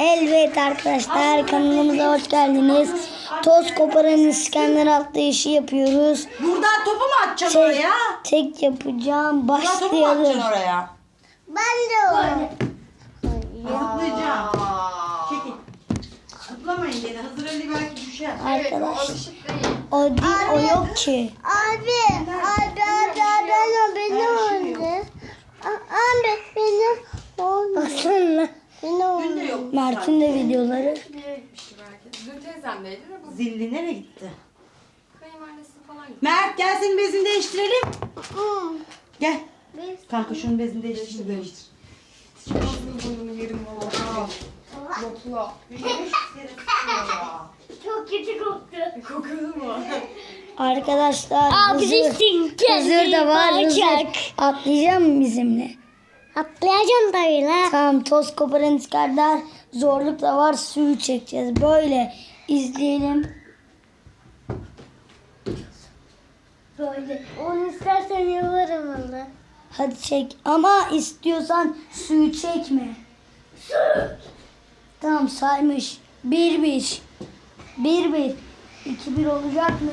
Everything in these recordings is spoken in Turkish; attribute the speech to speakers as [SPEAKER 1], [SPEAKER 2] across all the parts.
[SPEAKER 1] Evet arkadaşlar, kanalımıza hoş geldiniz. Toz koparan İskender atlayışı yapıyoruz.
[SPEAKER 2] Buradan topu mu atacaksın oraya?
[SPEAKER 1] Tek yapacağım.
[SPEAKER 2] Buradan topu mu
[SPEAKER 1] Başlayalım.
[SPEAKER 2] atacaksın oraya?
[SPEAKER 1] Ben de o.
[SPEAKER 2] Zıplayacağım. Çekil. Zıplamayın gene. Hazır Ali belki düşer.
[SPEAKER 1] Arkadaş. O değil, o yok ki.
[SPEAKER 3] Abi beni oldu. Abi beni oldu.
[SPEAKER 1] Aslında
[SPEAKER 3] Beni
[SPEAKER 2] Dün de
[SPEAKER 3] oldu.
[SPEAKER 2] yok.
[SPEAKER 1] Mert'in de videoları.
[SPEAKER 4] Bir yere gitmişti belki. Dün teyzemdeydi de bu
[SPEAKER 2] Zilli nereye gitti?
[SPEAKER 4] kayınvalidesi falan gitti.
[SPEAKER 2] Mert gel senin bezini değiştirelim.
[SPEAKER 3] Hı.
[SPEAKER 2] Gel. Kanka şunun bezini değiştir.
[SPEAKER 4] Ağzını burnunu yerim valla. Lokla.
[SPEAKER 3] Çok kötü koktu.
[SPEAKER 4] Kokuyor mu?
[SPEAKER 1] Arkadaşlar Hızır da var. Hızır atlayacak mı bizimle?
[SPEAKER 3] Atlayacağım tabii la.
[SPEAKER 1] Tamam, toz koparan İskender zorluk da var, suyu çekeceğiz. Böyle izleyelim. Böyle.
[SPEAKER 3] Onu istersen yaparım valla.
[SPEAKER 1] Hadi çek. Ama istiyorsan suyu çekme. Tamam, saymış. 1-1. 1-1. 2-1 olacak mı?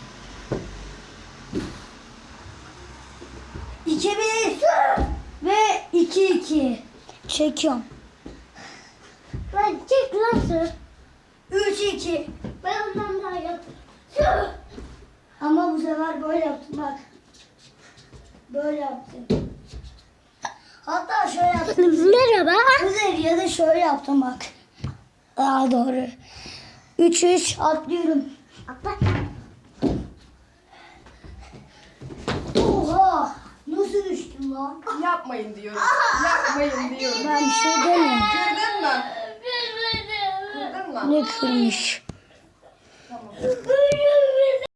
[SPEAKER 1] 2-1. Ve 2-2. Çekiyorum.
[SPEAKER 3] Lan çek lan su.
[SPEAKER 1] 3-2.
[SPEAKER 3] Ben ondan daha yaptım.
[SPEAKER 1] Ama bu sefer böyle yaptım bak. Böyle yaptım. Hatta şöyle yaptım.
[SPEAKER 3] Merhaba.
[SPEAKER 1] Güzel, ya da şöyle yaptım bak. Daha doğru. 3-3 atlıyorum.
[SPEAKER 3] Atla.
[SPEAKER 1] Oha! Nasıl düştüm lan?
[SPEAKER 4] Yapmayın diyorum. Yapmayın diyorum.
[SPEAKER 1] Ben bir şey demiyorum.
[SPEAKER 4] Kırdın mı? Kırdın mı?
[SPEAKER 1] Ne kırmış?
[SPEAKER 4] Tamam.